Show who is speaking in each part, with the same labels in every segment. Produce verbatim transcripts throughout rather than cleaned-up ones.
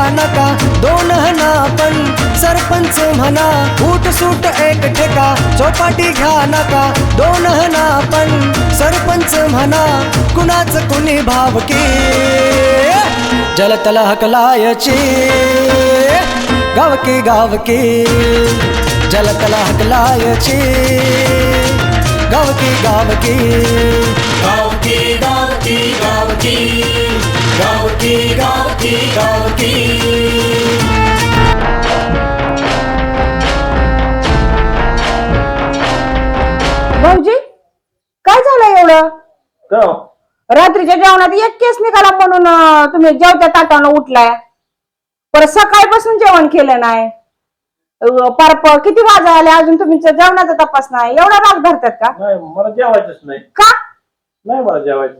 Speaker 1: नका दोन हना पण सरपंच म्हणा फूट सूट एक ठेका चौपाटी घ्या नका दोन हना पण सरपंच म्हणा कुणाच कुणी भावकी जलतल हकलायची गावकी गावकी जलतल हकलायची गावकी गावकी
Speaker 2: गावकी गावकी गावकी गावकी गावकी गावकी
Speaker 3: भाऊजी काय झालं एवढं
Speaker 4: का
Speaker 3: रात्रीच्या जेवणात एक केस निघाला म्हणून अं, तुम्ही जेवत्या ताटानं उठलाय परत सकाळपासून जेवण केलं नाही अं, पार प- किती वाजा आले अजून तुमच्या जेवणाचा तपास नाही एवढा राग धरतात का
Speaker 4: नाही मला जेवायचंच नाही
Speaker 3: का
Speaker 4: नाही मला जेवायचं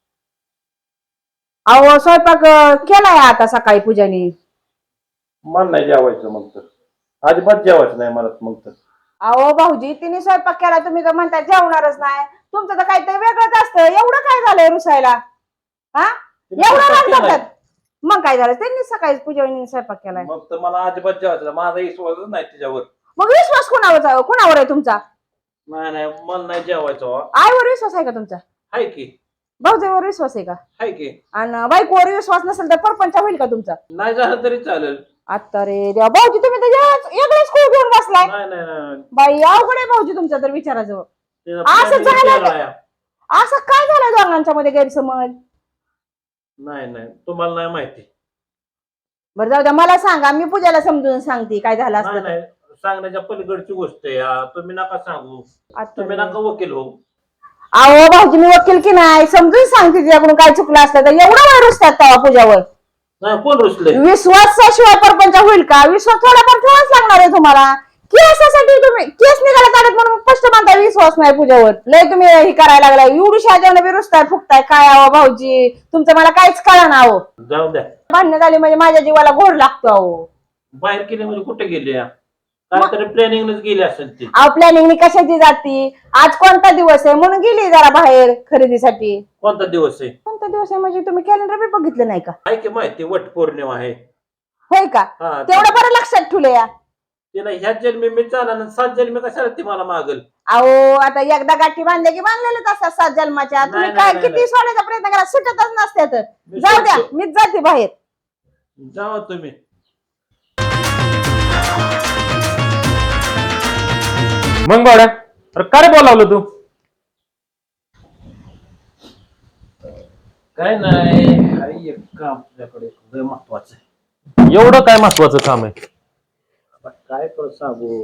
Speaker 3: अहो स्वयंपाक अं, केलाय आता सकाळी पूजानी
Speaker 4: मला नाही जेवायचं मग तर अजिबात जेवायचं नाही मला मग तर
Speaker 3: अहो भाऊजी तिने स्वयंपाक केला तुम्ही तर म्हणता जेवणारच नाही तुमचं तर काहीतरी वेगळंच असतं एवढं काय झालंय रुसायला हा एवढं राग धरतात मग काय झालं त्यांनी सकाळी पूजानी स्वयंपाक केलाय
Speaker 4: मग तर मला अजिबात जेवायचं नाही. माझा विश्वासच नाही त्याच्यावर
Speaker 3: मग विश्वास कुणावर कुणावर आहे तुमचा
Speaker 4: नाही नाही मला नाही जेवायचं हो.
Speaker 3: आईवर विश्वास आहे का तुमचा
Speaker 4: हाय की
Speaker 3: भाऊजीवर विश्वास आहे का
Speaker 4: हाय की
Speaker 3: आणि बायकोवर विश्वास नसेल तर परपंच होईल का तुमचा
Speaker 4: नाही झालं तरी चालेल
Speaker 3: आता रे देवा भाऊजी तुम्ही तर वेगळंच खूप घेऊन बसलाय
Speaker 4: नाही नाही नाही
Speaker 3: बाई अवघड आहे भाऊजी तुमचा तर विचाराजवळ
Speaker 4: ते
Speaker 3: असं
Speaker 4: planning
Speaker 3: झालं
Speaker 4: केलं आहे.
Speaker 3: असं काय झालं दोघांच्या मध्ये गैरसमज
Speaker 4: नाही नाही तुम्हाला नाही माहिती
Speaker 3: बरं जाऊ द्या मला सांगा मी पूजाला समजून सांगते काय झालं
Speaker 4: नाही
Speaker 3: असतं
Speaker 4: नाही सांगण्याच्या पलीकडची गोष्ट आहे हा. तुम्ही नका सांगू
Speaker 3: आता
Speaker 4: तुम्ही
Speaker 3: रे.
Speaker 4: नका वकील हो
Speaker 3: अहो भाऊजी मी वकील की नाही समजून सांगते तिच्याकडून काय चुकलं असतं तर एवढा वेळ रुसतात तेव्हा पूजावर
Speaker 4: नाही कोण रुसले
Speaker 3: विश्वासाशिवाय परपंच होईल का विश्वास थोडाफार ठेवाच लागणार आहे तुम्हाला केसासाठी तुम्ही केस निघाला काढत म्हणून स्पष्ट म्हणता विश्वास नाही पूजावर लय तुम्ही हे करायला लागलाय एवढी शाजाने बी रुसताय फुकताय काय आहो भाऊजी तुमचं मला काहीच कळा ना अहो
Speaker 4: जाऊ द्या
Speaker 3: भांडणं झाली म्हणजे माझ्या जीवाला घोर लागतो अहो
Speaker 4: बाहेर गेले म्हणजे कुठे गेले या? काहीतरी प्लॅनिंगच गेली असेल ती
Speaker 3: अहो प्लॅनिंग कशाची जाती आज कोणता दिवस आहे म्हणून गेली जरा बाहेर खरेदीसाठी
Speaker 4: कोणता दिवस आहे
Speaker 3: कोणता दिवस आहे म्हणजे तुम्ही कॅलेंडर बी बघितलं नाही का
Speaker 4: आहे की माहिती वट पौर्णिमा आहे
Speaker 3: होय का
Speaker 4: हा
Speaker 3: तेवढं बरं लक्षात ठेवलं या
Speaker 4: तिला ह्याच जन्मी मी चालणार सात जन्मी कशाला ती मला मागल
Speaker 3: अहो आता एकदा गाठी बांधल्या की बांधलेलेच असतात सात जन्माच्या तुम्ही
Speaker 4: नाही,
Speaker 3: काय
Speaker 4: नाही,
Speaker 3: किती सोडायचा प्रयत्न करा सुटतच नसते तर
Speaker 4: मी
Speaker 3: जाऊ द्या
Speaker 4: सोडतो.
Speaker 3: मीच जाते बाहेर
Speaker 4: जावा तुम्ही
Speaker 5: मग बावड्या अरे काय बोलावलं तू
Speaker 4: काय नाही आहे एक काम आपल्याकडे लय महत्वाचं आहे
Speaker 5: एवढं काय महत्वाचं काम आहे
Speaker 4: आता काय कर सांगू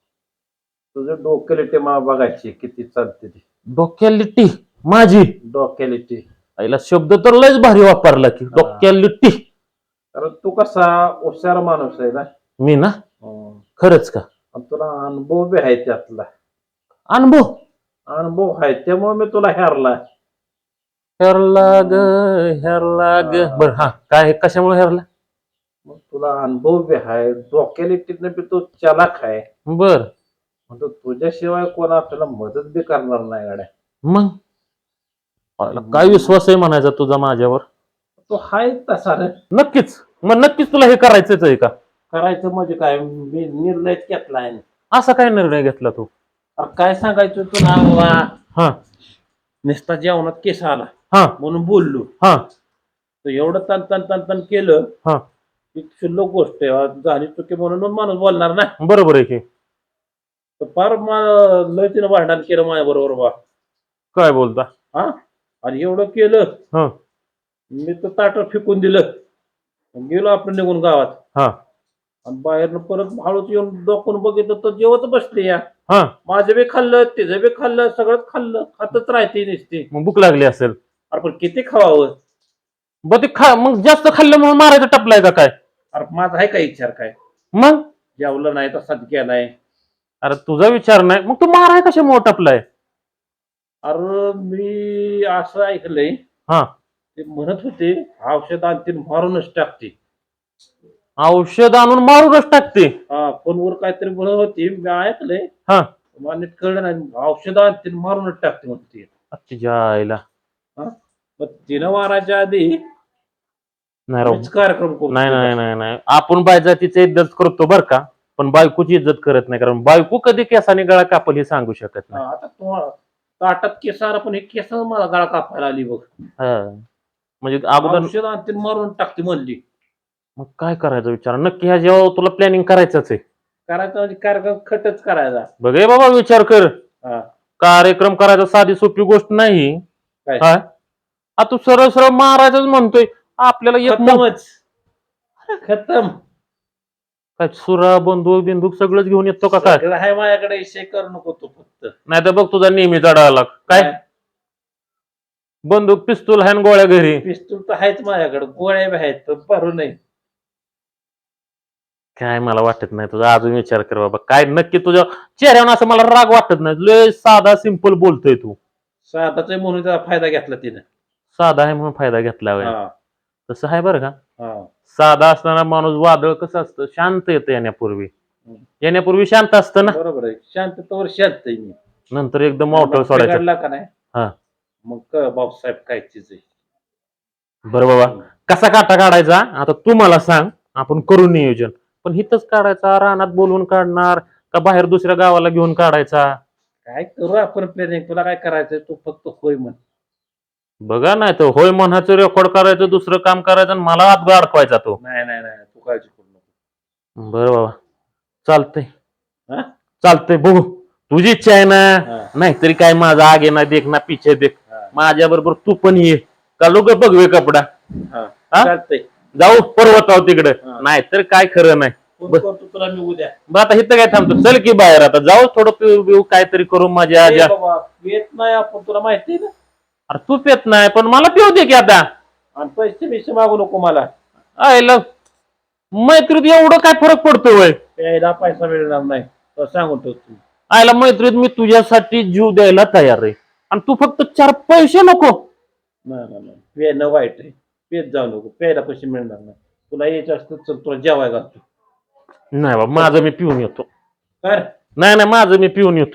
Speaker 4: तुझं डोक्यालिटी मला बघायची किती चालते ती
Speaker 5: डोक्यालिटी माझी
Speaker 4: डोक्यालिटी
Speaker 5: आईला शब्द तर लयच भारी वापरला की डोक्यालिटी
Speaker 4: कारण तू कसा हुशार माणूस आहे ना
Speaker 5: मी ना
Speaker 4: हं.
Speaker 5: खरंच का
Speaker 4: आणि तुला अनुभव बी आहे त्यातला
Speaker 5: अनुभव
Speaker 4: अनुभव आहे त्यामुळे मी तुला हेरला
Speaker 5: हेरला ग हेरला ग बर हा काय कशामुळे हेरला
Speaker 4: मग तुला अनुभव बी आहे डोक्यालिटीने बी तू चालाक आहे
Speaker 5: बर
Speaker 4: म्हणतो तुझ्याशिवाय कोण आपल्याला मदत बी करणार नाही गाड्या
Speaker 5: मग आईला काय विश्वास आहे म्हणायचा तुझा माझ्यावर
Speaker 4: तो हाय तसा रे
Speaker 5: नक्कीच मग नक्कीच तुला हे करायचंच आहे का
Speaker 4: करायचं म्हणजे काय मी निर्णयच घेतलाय
Speaker 5: असा काय निर्णय घेतला तू
Speaker 4: अरे काय सांगायचं तुला बाबा
Speaker 5: हा
Speaker 4: नुसता जेवणात केस आला
Speaker 5: हा
Speaker 4: म्हणून बोललो
Speaker 5: हा
Speaker 4: तर एवढं तन तन तन तन केलं
Speaker 5: हा
Speaker 4: की क्षुल्लक गोष्ट आहे झाली चुकी म्हणून माणूस बोलणार ना
Speaker 5: बरोबर आहे की
Speaker 4: तर फार मला लय तिनं भांडण केलं माझ्या बरोबर बा
Speaker 5: काय बोलता
Speaker 4: हा आणि एवढं केलं
Speaker 5: हा
Speaker 4: मी तर ताट फेकून दिलं गेलो आपण निघून गावात
Speaker 5: हा
Speaker 4: आणि बाहेरनं परत हळूच येऊन डोकून बघितलं तर जेवत बसले या
Speaker 5: हा
Speaker 4: माझं बी खाल्लं तिचं बी खाल्लं सगळंच खाल्लं खातच राहते नुसती
Speaker 5: मग भूक लागली असेल
Speaker 4: अरे पण किती खावावं
Speaker 5: ब ते खा मग जास्त खाल्लं म्हणून मारायचं टपलाय का काय
Speaker 4: अरे माझा आहे काय विचार काय
Speaker 5: मग
Speaker 4: जेवलं नाही तसाच गेलाय
Speaker 5: अरे तुझा विचार नाही मग तू माराय कशामुळे टपलाय
Speaker 4: अरे मी असं ऐकलंय
Speaker 5: हा
Speaker 4: ते म्हणत होते औषध आणतील मारूनच टाकते
Speaker 5: औषध आणून मारूनच टाकते
Speaker 4: हा फोनवर काहीतरी म्हणत होती मी ऐकलंय
Speaker 5: हा
Speaker 4: मला नीट कळलं नाही औषध आणतील मारूनच टाकते म्हणते
Speaker 5: तुझ्या आईला
Speaker 4: मग तिनं मारायच्या आधी
Speaker 5: नाही राव
Speaker 4: मीच कार्यक्रम करू
Speaker 5: नाही नाही नाही नाही आपण बायजातीची इज्जत करतो बर का पण बायकोची इज्जत करत नाही कारण बायको कधी केसाने गळा कापल हे सांगू शकत
Speaker 4: हा,
Speaker 5: नाही
Speaker 4: आता तुम्हाला ताटात केस आला पण हे केस मला गळा कापायला आली बघ
Speaker 5: हा. म्हणजे अगोदर
Speaker 4: औषध आणते मारून टाकते म्हणली
Speaker 5: मग काय करायचं विचार नक्की ह्या जेव्हा तुला प्लॅनिंग करायचंच आहे
Speaker 4: करायचा म्हणजे कार्यक्रम खटच करायचा
Speaker 5: बघ हे बाबा विचार कर
Speaker 4: हा
Speaker 5: कार्यक्रम करायचा साधी सोपी गोष्ट नाही
Speaker 4: काय?
Speaker 5: हा आ, तू सरळ सरळ मारायचंच म्हणतोय आपल्याला एक मो-
Speaker 4: खतमच खतम
Speaker 5: काय सुरा बंदूक बिंदूक सगळंच घेऊन येतो का काय
Speaker 4: सगळं आहे माझ्याकडे विषय करू नको तू फक्त
Speaker 5: नाही तर बघ तुझा नेहमीचा डायलॉग काय बंदूक पिस्तूल हॅन गोळ्या घरी
Speaker 4: पिस्तूल तर आहेच माझ्याकडे गोळ्या बी आहेत पण भरू नये
Speaker 5: काय मला वाटत नाही तुझा अजून विचार कर बाबा काय नक्की तुझ्या चेहऱ्यावर असं मला राग वाटत नाही लय साधा सिंपल बोलतोय तू
Speaker 4: साधाच म्हणून त्याचा फायदा घेतला तिने
Speaker 5: साधा आहे म्हणून फायदा घेतला होय.
Speaker 4: हा
Speaker 5: तसं आहे बरं का
Speaker 4: हा
Speaker 5: साधा असताना माणूस वादळ कसं असतं शांत येतं येण्यापूर्वी येण्यापूर्वी शांत असतं ना
Speaker 4: बरोबर आहे शांततेवर शांत आहे मी
Speaker 5: नंतर एकदम मोठं सोडायचं
Speaker 4: बिघडला का नाही
Speaker 5: हा.
Speaker 4: मग कळ भाऊसाहेब काय चीज आहे
Speaker 5: बरं बाबा कसा काटा काढायचा आता तू मला सांग आपण करू नियोजन पण हिथंच काढायचा रानात बोलवून काढणार का बाहेर दुसऱ्या गावाला घेऊन काढायचा
Speaker 4: काय करू आपण प्लॅनिंग तुला काय करायचंय तू फक्त होय म्हण
Speaker 5: बघा नाही तर होय म्हणायचं रेकॉर्ड करायचं दुसरं काम करायचं आणि मला हात अडकवायचा तो
Speaker 4: नाही नाही नाही तू काळजी करू नको
Speaker 5: बरं बाबा चालतंय
Speaker 4: हा?
Speaker 5: चालतंय बघू तुझी इच्छा आहे
Speaker 4: हा.
Speaker 5: ना नाहीतरी काय माझा आगे ना देख ना पिछे देख
Speaker 4: हा.
Speaker 5: माझ्या बरोबर तू पण ये का लोक बघवे कपडा
Speaker 4: हा.
Speaker 5: हा?
Speaker 4: चालतंय
Speaker 5: जाऊ पर्वताव तिकडे
Speaker 4: हा.
Speaker 5: नाहीतर काय खरं नाही
Speaker 4: फोन
Speaker 5: बर.
Speaker 4: करतो तुला मी उद्या
Speaker 5: बरं आता इथं काय थांबतो चल की बाहेर आता जाऊ थोडं पिऊ बिऊ काहीतरी करू माझ्या
Speaker 4: ए
Speaker 5: आज्या
Speaker 4: बाबा येत नाही आपण तुला माहिती आहे ना
Speaker 5: अरे तू पेत नाही पण मला पिऊ दे की आता
Speaker 4: आणि पैसे बिसे मागू नको मला
Speaker 5: आयला मैत्रीत एवढं काय फरक पडतो वय
Speaker 4: प्यायला पैसा मिळणार नाही तर सांगून ठेवतो
Speaker 5: आयला मैत्रीत मी तुझ्यासाठी जीव द्यायला तयार आहे आणि तू फक्त चार पैसे नको
Speaker 4: नाही नाही नाही पेणं वाईट आहे पेत जाऊ नको प्यायला पैसे मिळणार नाही तुला यायचं असतं चल तुला जेवाय घालतो
Speaker 5: नाही बाबा माझं मी पिऊन येतो
Speaker 4: कर
Speaker 5: नाही नाही माझं मी पिऊन येतो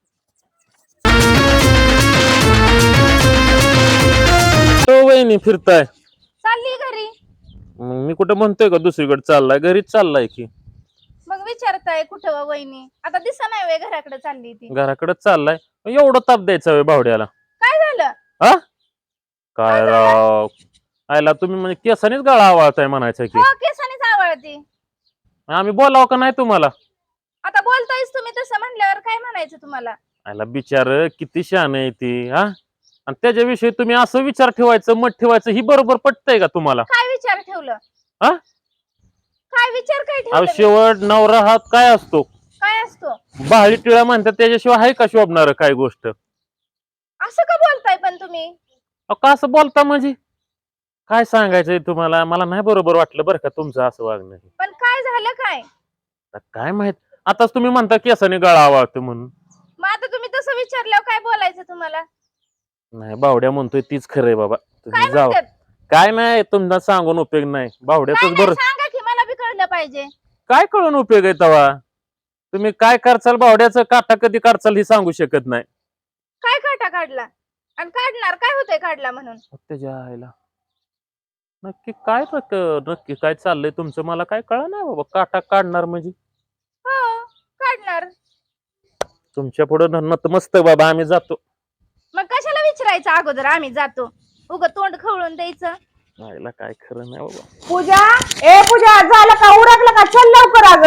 Speaker 5: तो वहिनी फिरताय
Speaker 3: चालली घरी
Speaker 5: मग मी कुठं म्हणतोय का दुसरीकडे चाललाय घरीच चाललाय की
Speaker 3: मग विचारताय कुठं व वहिनी आता दिसा नाही वे घराकडे चालली ती
Speaker 5: घराकडे चाललाय एवढं ताप द्यायचा वे बावड्याला
Speaker 3: काय झालं
Speaker 5: हा काय राव आयला तुम्ही म्हणजे केसानेच गळा आवाळताय म्हणायचं की
Speaker 3: हो केसानीच आवडती
Speaker 5: आम्ही बोलाव का नाही तुम्हाला
Speaker 3: आता बोलतायच तुम्ही तसं म्हणल्यावर काय म्हणायचं तुम्हाला
Speaker 5: आयला बिचार किती शान आहे ती हा आणि त्याच्याविषयी तुम्ही असं विचार ठेवायचं मत ठेवायचं ही बरोबर पटतंय का तुम्हाला
Speaker 3: काय विचार ठेवलं
Speaker 5: हा?
Speaker 3: काय विचार काय
Speaker 5: अहो
Speaker 3: ठेवलं मी?
Speaker 5: शेवट नवरा हात काय असतो
Speaker 3: काय असतो
Speaker 5: बाळी टिळा म्हणतात त्याच्याशिवाय आहे का शोभणार काय गोष्ट
Speaker 3: असं का बोलताय पण तुम्ही
Speaker 5: अहो, का असं बोलता म्हणजे काय सांगायचंय तुम्हाला मला नाही बरोबर वाटलं बरं का तुमचं असं वागणं हे.
Speaker 3: पण काय झालं काय
Speaker 5: आता काय माहित आताच तुम्ही म्हणता केसाने गळा आवाळतो म्हणून
Speaker 3: मग आता तुम्ही तसं विचारल्यावर काय बोलायचं तुम्हाला
Speaker 5: नाही बावड्या म्हणतोय तीच खरंय बाबा
Speaker 3: काय
Speaker 5: तुम्ही जाऊ
Speaker 3: म्हणतात
Speaker 5: काय नाही तुमचा सांगून उपयोग नाही
Speaker 3: काय
Speaker 5: बावड्याच
Speaker 3: नाही,
Speaker 5: बरं
Speaker 3: सांगा की मला बी कळलं पाहिजे
Speaker 5: काय कळून उपयोग आहे तवा तुम्ही काय करचाल बावड्याचं काटा कधी काढचाल हे सांगू शकत नाही
Speaker 3: काय काटा काढला आणि काढणार काय होतंय काढला म्हणून
Speaker 5: त्याच्या आईला नक्की काय नक- नक्की काय चाललंय तुमचं मला काय कळ नाही बाबा काटा काढणार म्हणजे
Speaker 3: हो काढणार
Speaker 5: तुमच्या पुढे मस्त बाबा आम्ही जातो
Speaker 3: मग कशाला विचारायचं अगोदर आम्ही जातो उग तोंड खवळून द्यायचं
Speaker 5: आईला काय खरं नाही बाबा
Speaker 3: पूजा ए पूजा झालं का उरकलं का चल लवकर अग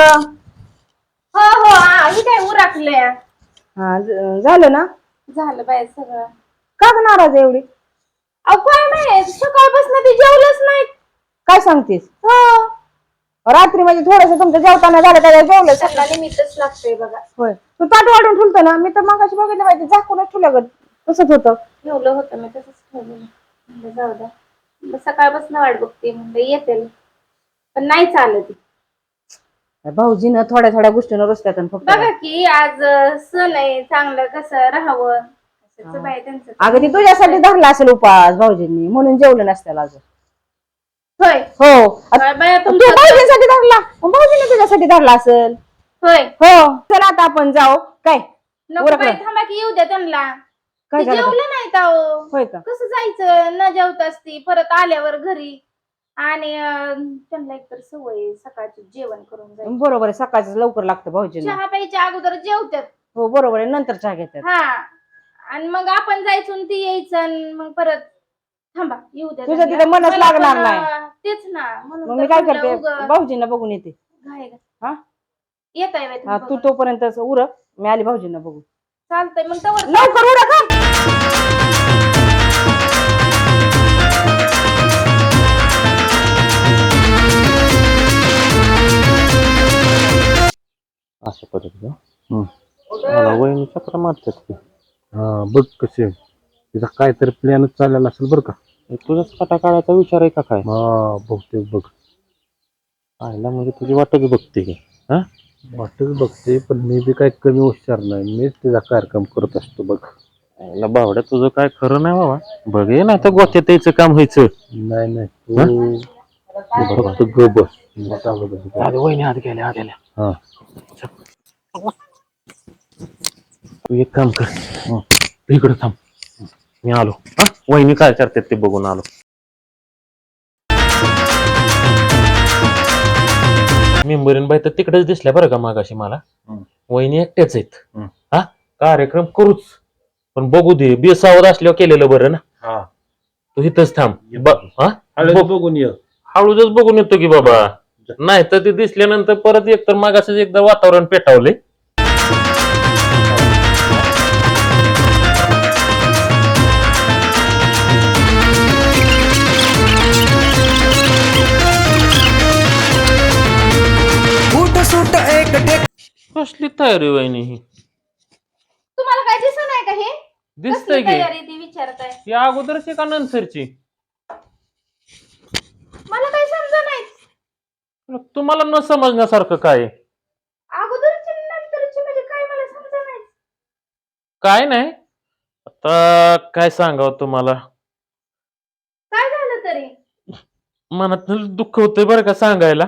Speaker 3: हो हो हा, ही काय उरकले
Speaker 6: हा ज- झालं ना
Speaker 3: झालं बाय सगळं
Speaker 6: का ग नाराज आहे एवढी
Speaker 3: अहो काय नाही सकाळपासून ती जेवलंच नाही
Speaker 6: काय सांगतेस
Speaker 3: हो
Speaker 6: रात्री म्हणजे थोडस तुमचं जेवताना झालं त्याला जेवलं
Speaker 3: त्यांना निमित्तच लागतंय बघा
Speaker 6: होय तू ताट वाढून ठुलतो ना मी तर मगाशी बघितलं माहिती झाकूनच ठुलं ग तसंच होतं
Speaker 3: ठेवलं होतं मी तसंच ठेवलं म्हणलं जाऊ द्या म्हणलं सकाळपासून वाट बघते म्हणलं येते पण नाही चालत
Speaker 6: भाऊजीनं थोड्या थोड्या गोष्टीनं रस्त्यात फक्त
Speaker 3: बघा की आज अं, सण आहे चांगलं कसं राहावं कशाचं बाय त्यांचं
Speaker 6: अगं ती तुझ्यासाठी धरला असेल उपास भाऊजींनी म्हणून जेवलं नसत्याला अजून
Speaker 3: होय
Speaker 6: हो
Speaker 3: काय बाया
Speaker 6: तू
Speaker 3: तुमचं
Speaker 6: भाऊजींसाठी धरला मग भाऊजीने तुझ्यासाठी धरला असेल
Speaker 3: होय
Speaker 6: हो चला आता आपण जाऊ काय
Speaker 3: नको
Speaker 6: उरकलं.
Speaker 3: बाई थांबा की येऊ द्या त्यांना
Speaker 6: काय
Speaker 3: ते
Speaker 6: झालं
Speaker 3: जेवलं नाही अहो
Speaker 6: होय का
Speaker 3: कसं जायचं न जेवताच ती परत आल्यावर घरी
Speaker 7: आणि अं, त्यांना एकतर सवय आहे सकाळचं जेवण करून जायचं.
Speaker 3: बरोबर आहे, सकाळचं लवकर लागतं भाऊजींना.
Speaker 7: चहा प्यायच्या अगोदर जेवतात.
Speaker 3: हो बरोबर आहे, नंतर चहा घेतात.
Speaker 7: हा आणि मग आपण जायचं आणि ती यायचं आणि मग परत थांबा येऊ द्या
Speaker 3: तुझं
Speaker 7: त्यांना.
Speaker 3: तिथं मनच
Speaker 7: मला
Speaker 3: लागणार
Speaker 7: पण,
Speaker 3: नाही.
Speaker 7: अं, तेच ना म्हणून
Speaker 3: मग
Speaker 7: तर
Speaker 3: मी काय
Speaker 7: म्हटलं
Speaker 3: करते,
Speaker 7: उगाच
Speaker 3: भाऊजींना बघून येते.
Speaker 7: घाई घाई.
Speaker 3: हा
Speaker 7: येत आहे
Speaker 3: हा तू तोपर्यंत उरक, मी आली भाऊजींना बघू.
Speaker 7: चालतंय मग तवर
Speaker 3: लवकर उरक हा.
Speaker 5: अशा पद्धतीनं मला वहिनी चक्र मारतात की
Speaker 4: हा बघ कसे तिचा काहीतरी प्लॅनच चाललेला असेल बरं का.
Speaker 5: तुझाच काटा काढायचा विचार आहे का काय?
Speaker 4: हा बघते बघ
Speaker 5: आईला म्हणजे तुझी वाटच बघते की. हा
Speaker 4: वाटच बघते, पण मी बी काही कमी हुशार नाही, मीच तिचा कार्यक्रम करत असतो बघ.
Speaker 5: आईला बावड्या तुझं काय खरं नाही बाबा. बघ ये ना तर गोत्यात यायचं काम व्हायचं.
Speaker 4: नाही नाही तू फक्त ग बस.
Speaker 5: आधी वहिनी आत गेल्या आत गेल्या.
Speaker 4: हा
Speaker 5: तू एक काम कर, तू इकडे थांब, मी आलो. हा वहिनी काय करतात ते बघून आलो. मेंबरीन बाई तर तिकडेच दिसल्या बरं का मागाशी मला. वहिनी एकट्याच आहेत. हा कार्यक्रम करूच, पण बघू दे बेसावध असल्यावर केलेलं बरं ना.
Speaker 4: हा
Speaker 5: तू इथंच थांब. ब- हा?
Speaker 4: हळद
Speaker 5: बघ-
Speaker 4: बघून ये.
Speaker 5: हळूच बघून येतो की बाबा. नाही तर ते दिसल्यानंतर परत एक तर मागास एकदा वातावरण पेटावले.
Speaker 1: बूट सूट एक ठेका
Speaker 5: कसली तयारी वहिनी ही?
Speaker 7: तुम्हाला काय दिसत नाही का हे
Speaker 5: दिसतंय
Speaker 7: कसली
Speaker 5: की
Speaker 7: तयारी ती विचारताय
Speaker 5: या अगोदरची का नंतरची?
Speaker 7: मला काय समजा नाही.
Speaker 5: तुम्हाला न समजण्यासारखं काय आहे?
Speaker 7: अगोदरची आणि नंतरची म्हणजे काय मला समजा नाही.
Speaker 5: काय नाही, आता काय सांगावं तुम्हाला.
Speaker 7: काय झालं तरी
Speaker 5: मनात दुःख होतंय बरं का सांगायला.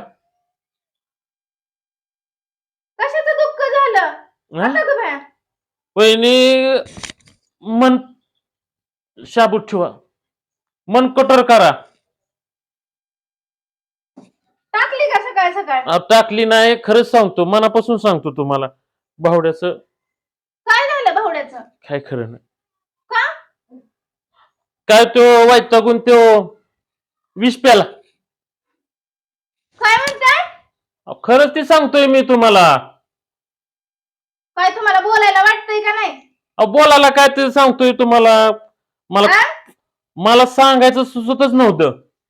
Speaker 7: कशाचं दुःख झालं
Speaker 5: हा?
Speaker 7: आता ग बाया
Speaker 5: वहिनी मन शाबूत ठेवा, मन कठोर करा.
Speaker 7: टाकली का सकाळ सकाळ
Speaker 5: अहो, टाकली नाही, खरंच सांगतो, मनापासून सांगतो तुम्हाला. भावड्याचं
Speaker 7: काय झालं भावड्याचं
Speaker 5: काय खरं नाही.
Speaker 7: का
Speaker 5: काय तो वैतागून तो विष प्याला.
Speaker 7: काय म्हणताय
Speaker 5: अहो, खरंच ते सांगतोय मी तुम्हाला.
Speaker 7: काय तुम्हाला बोलायला वाटतंय का नाही
Speaker 5: अहो, बोलायला काय ते सांगतोय तुम्हाला. मला
Speaker 7: हा?
Speaker 5: मला सांगायचं सुचतच नव्हतं.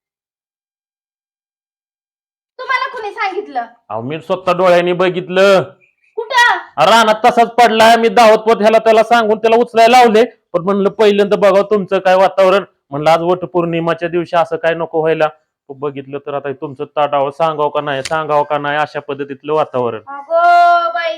Speaker 7: तुम्हाला कुणी सांगितलं
Speaker 5: अहो मी स्वतः डोळ्यांनी बघितलं.
Speaker 7: कुठं
Speaker 5: रानात तसाच पडलाय. मी धावत पत ह्याला त्याला सांगून त्याला उचलायला लावले, पण म्हणलं पहिल्यांदा बघा तुमचं काय वातावरण. म्हणलं आज वटपौर्णिमाच्या दिवशी असं काय नको व्हायला. बघितलं तर आता तुमचं ताटावं सांगावं का नाही सांगावं का नाही अशा पद्धतीतलं वातावरण.
Speaker 7: अगो बाई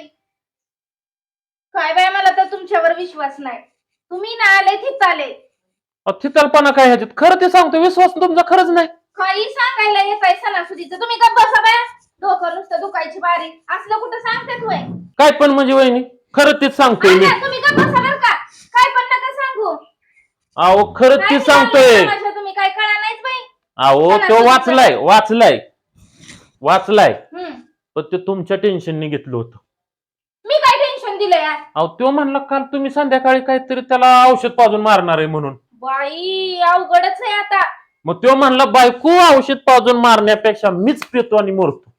Speaker 7: काय बाय मला तर तुमच्यावर विश्वास नाही. तुम्ही ना आले तिथं आले
Speaker 5: थितलपणा काय ह्याच्यात? खरं ते सांगतो, विश्वास तुमचा खरंच नाही.
Speaker 7: काही सांगायला येताय सणासुदीचं तुम्ही का बसा बाया डोकं नुसतं दुखायची बारी असलं कुठं सांगतात होय
Speaker 5: काय पण म्हणजे वहिनी खरं तेच सांगतोय मी.
Speaker 7: आल्या, तुम्ही का बसा बरं का काय पण नका सांगू
Speaker 5: अहो खरंच
Speaker 7: काय
Speaker 5: ते
Speaker 7: निघालं
Speaker 5: सांगतोय.
Speaker 7: समाजात तुम्ही काय कळा नाहीच बाई
Speaker 5: अहो
Speaker 7: चला,
Speaker 5: तो
Speaker 7: तुझं
Speaker 5: वाचलाय वाचलाय वाचलाय
Speaker 7: हम्म.
Speaker 5: पण ते तुमच्या टेन्शनने घेतलं होतं.
Speaker 7: मी काय टेन्शन दिलं यार
Speaker 5: अहो तो म्हणला काल तुम्ही संध्याकाळी काहीतरी त्याला औषध पाजून मारणार आहे म्हणून.
Speaker 7: बाई अवघडच आहे आता
Speaker 5: मग तो म्हणला बायको औषध पाजून मारण्यापेक्षा मीच पितो आणि मरतो.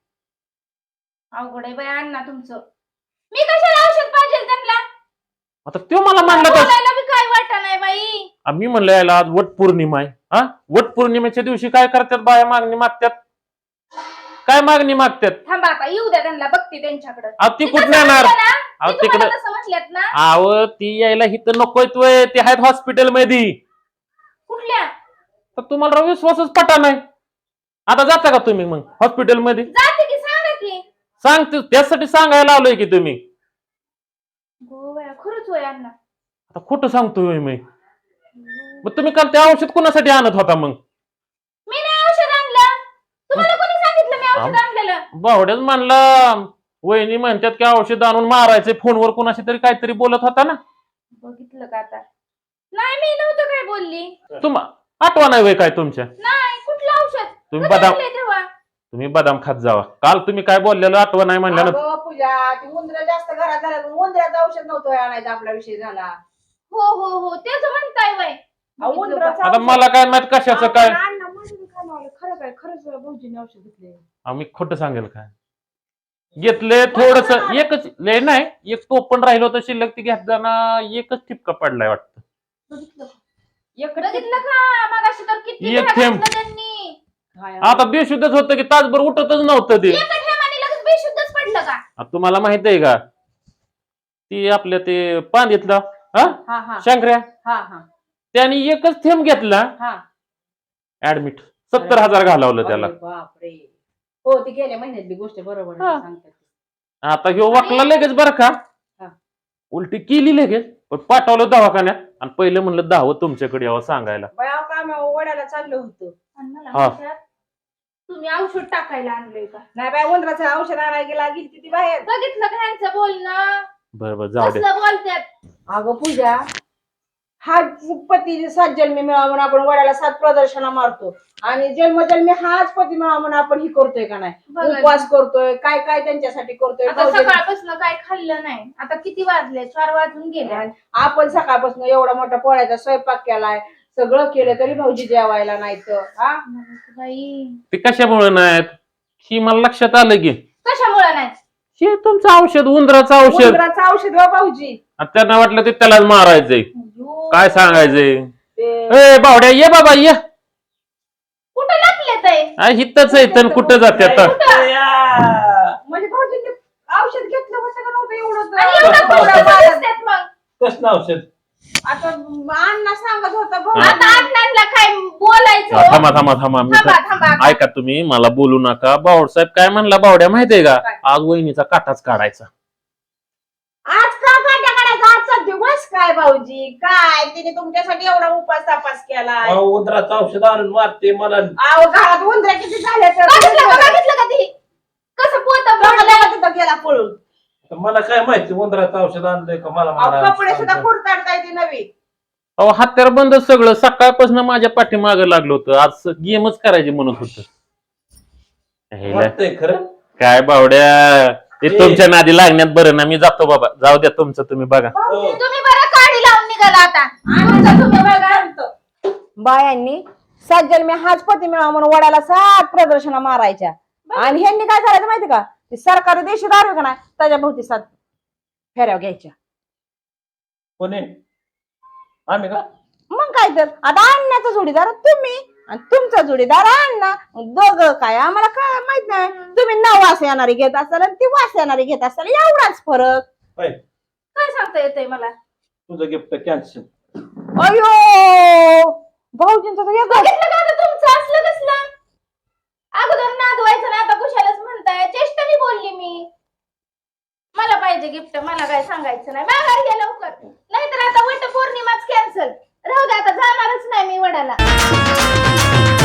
Speaker 7: अवघड आहे बाई अण्णा तुमचं मी कशाला औषध पाहिजे त्यांना
Speaker 5: आता तो मला म्हणला तर
Speaker 7: बोलायला बी काय वाटत नाही बाई
Speaker 5: मी म्हणलं याला आज वट पौर्णिमा आहे. हा वट पौर्णिमेच्या दिवशी काय करतात बाया? मागणी मागतात. काय मागणी मागतात?
Speaker 7: थांबा आता येऊ द्या त्यांना बघते त्यांच्याकडे
Speaker 5: अहो ती कुठं येणार? अहो तिकडं
Speaker 7: म्हटल्यात ना
Speaker 5: अहो ती यायला इथं नकोय तोय. ते आहेत हॉस्पिटल मध्ये.
Speaker 7: कुठल्या
Speaker 5: तर तुम्हाला विश्वासच पटा नाही. आता जाता का तुम्ही मग हॉस्पिटल मध्ये?
Speaker 7: जाते की सांगा की
Speaker 5: सांगते त्यासाठी सांगायला आलोय की तुम्ही.
Speaker 7: गो बाया खरंच होय अण्णा
Speaker 5: आता खोटं सांगतोय मी. मग तुम्ही काल ते औषध कोणासाठी आणत होता मग?
Speaker 7: मी नाही औषध आणलं तुम्हाला कोणी सांगितलं मी औषध आणलेलं
Speaker 5: बावड्याच म्हणला वहिनी म्हणतात की औषध आणून मारायचे. फोनवर कोणाशी तरी काहीतरी बोलत होता ना.
Speaker 7: बघितलं का आता नाही मी नव्हतं काय बोलली
Speaker 5: तुम्हा आठवा नाही वय काय तुमच्या?
Speaker 7: नाही कुठलं औषध
Speaker 5: तुम्ही
Speaker 7: कधी
Speaker 5: बदाम
Speaker 7: आणलंय तेव्हा?
Speaker 5: तुम्ही बदाम खात जावा. काल तुम्ही काय बोललेलं आठवण नाही म्हणलं
Speaker 3: अगं पूजा ती उंदर जास्त घरात झाल्या उंदराचं औषध नव्हतं आणायचं आपला विषय झाला.
Speaker 7: हो हो हो तेच म्हणताय वय
Speaker 3: अहो, उंदराचं
Speaker 5: आता
Speaker 3: औषध-
Speaker 5: मला काय माहित कशाचं काय
Speaker 3: अहो, अण्णा माझं बी खाणं आलं. खरं काय खरंच भाऊजीने औषध घेतले.
Speaker 5: आम्ही खोटं सांगेल काय घेतले थोडस एकच लय नाही एक टोपण राहिलं होतं शिल्लक ती घेताना एकच ठिपका पडलाय वाटतं.
Speaker 7: बघितलं
Speaker 3: एक
Speaker 7: बघितलं का मगाशी तर किती
Speaker 5: एक
Speaker 7: वेळा
Speaker 5: थेंब.
Speaker 7: घातलं त्यांनी.
Speaker 3: काय
Speaker 5: आता बेशुद्धच होतं की तासभर उठतच नव्हतं ते.
Speaker 7: एका ठेमाने लगेच बेशुद्धच पडलं का?
Speaker 5: आता तुम्हाला माहित आहे का ती आपल्या ते पांदीतला हा
Speaker 3: हा हा
Speaker 5: शंकर्या
Speaker 3: हा हा
Speaker 5: त्याने एकच थेंब घेतला
Speaker 3: हा
Speaker 5: ऍडमिट सत्तर हजार घालवलं त्याला.
Speaker 3: अरे बापरे. हो ती गेल्या महिन्यातली गोष्ट बरोबर आहे,
Speaker 5: हा.
Speaker 3: सांगतात.
Speaker 5: आता ह्यो वाकला लगेच बरं का
Speaker 3: हा.
Speaker 5: उलटी केली लगेच पण पाठवलं दवाखान्यात आणि पहिलं म्हणलं दहावं तुमच्याकडे यावं सांगायला.
Speaker 3: बाया काम वड्याला चाललं होतं.
Speaker 7: आणि मला
Speaker 5: हा.
Speaker 7: म्हणतात, तुम्ही औषध टाकायला आणलंय का?
Speaker 3: नाही बाय उंदराचं औषध आणायला गेला गेली ती बाहेर.
Speaker 7: बघितलं का ह्यांचं बोलणं
Speaker 5: बरं बरं जाऊ दे.
Speaker 7: कसलं बोलतात.
Speaker 3: अगं पूजा हा पती सात जन्मी मिळावा म्हणून आपण वड्याला सात प्रदर्शना मारतो आणि जन्मजन्मी हाच पती मिळावा म्हणून आपण ही करतोय का नाही
Speaker 7: बघा.
Speaker 3: उपवास करतोय काय काय त्यांच्यासाठी करतोय
Speaker 7: आता
Speaker 3: भाऊजी-
Speaker 7: सकाळपासून काय खाल्लं नाही. आता किती वाजले? चार वाजून गेले.
Speaker 3: आणि आपण सकाळपासून एवढा मोठा पोळ्याचा स्वयंपाक केलाय सगळं केलं तरी भाऊजी जेवायला नाही तर हा
Speaker 7: बाई
Speaker 5: ते कशामुळे नाहीत ही मला लक्षात आलं की
Speaker 7: कशामुळे नाही?
Speaker 5: हे तुमचं औषध उंदराचं औषध
Speaker 3: उंदराचं औषध हो भाऊजी.
Speaker 5: आणि त्यांना वाटलं ते त्यालाच मारायचंय
Speaker 7: अयो,
Speaker 5: काय सांगायचंय.
Speaker 3: ते
Speaker 5: ए बावड्या ये बाबा ये
Speaker 7: कुठं लपले ते?
Speaker 5: आ, हितच आहे तर कुठं जाते आता.
Speaker 3: म्हणजे भाऊजींनी औषध घेतलं होतं का नव्हतं एवढं
Speaker 7: आणि एवढं
Speaker 3: तर-
Speaker 7: कुठं दिसतात मग?
Speaker 4: कसलं औषध?
Speaker 3: आता अण्णा सांगत होता भाऊ
Speaker 5: हा.
Speaker 7: आता अण्णांना काय बोलायचं?
Speaker 5: हा, थांबा थांबा थांबा मी
Speaker 7: थांबा
Speaker 5: तर-
Speaker 7: थांबा.
Speaker 5: ऐका तुम्ही मला बोलू नका. बावडसाहेब काय म्हणला बावड्या माहितीये का
Speaker 3: काय?
Speaker 5: आज वहिनीचा काटाच काढायचा.
Speaker 3: आज का काट्या काढायचा आजचा दिवस काय भाऊजी काय तिने तुमच्यासाठी एवढा उपास तापास केलाय.
Speaker 4: अहो, उंदराचं औषध आणून मारते मला.
Speaker 3: अहो घरात उंदऱ्या किती झाल्या
Speaker 7: बघितलं का?
Speaker 3: तर
Speaker 7: बघितलं का ती? कसं पोत
Speaker 3: बघा तिथं गेला पळून.
Speaker 4: मला काय माहिती उंदराचं औषध आणलंय का मला
Speaker 3: अहो,
Speaker 4: मारायला?
Speaker 3: कपडे सुद्धा कुरताडता येते नवी.
Speaker 5: अहो हत्यार बंद सगळं सकाळपासून माझ्या पाठीमागे लागलं होतं. आज गेमच करायची म्हणत होत.
Speaker 4: वाटतंय खरं.
Speaker 5: काय बावड्या ते
Speaker 4: ए.
Speaker 5: तुमच्या नादी लागण्यात बरं ना. मी जातो बाबा. जाऊ द्या तुमचं तुम्ही बघा.
Speaker 4: हो.
Speaker 7: तुम्ही बरं काढी लावून निघाला आता. आता तुम्ही बघा.
Speaker 3: बायांनी सात जन्मी हाच पती मिळावा म्हणून वडाला सात प्रदर्शना मारायच्या आणि ह्यांनी काय करायचं माहिती का ते सरकारी देशी दारू का नाही त्याच्या भोवती सात फेऱ्या घ्यायच्या.
Speaker 4: कोणी? आम्ही का?
Speaker 3: मग काय तर आता अण्णाचा जोडीदार तुम्ही आणि तुमचा जोडीदार अण्णा दोघं काय आम्हाला काय माहित नाही. तुम्ही नऊ वास येणारी घेत असाल आणि ती वास येणारी घेत असाल एवढाच फरक.
Speaker 4: होय.
Speaker 7: काय सांगता येतंय मला?
Speaker 4: तुझं गिफ्ट कॅन्सल.
Speaker 3: अयो भाऊजींचं तर वेगळं.
Speaker 7: बघितलं का आता तुमचं असलं कसलं? अगोदर नादवायचं ना आता कुशालाच म्हणताय. चेष्टाने बोलली मी. मला पाहिजे गिफ्ट. मला काय सांगायचं नाही. माघारी घ्या लवकर. नाहीतर आता वट पौर्णिमाच कॅन्सल. राहू दे आता जाणारच नाही मी वडाला.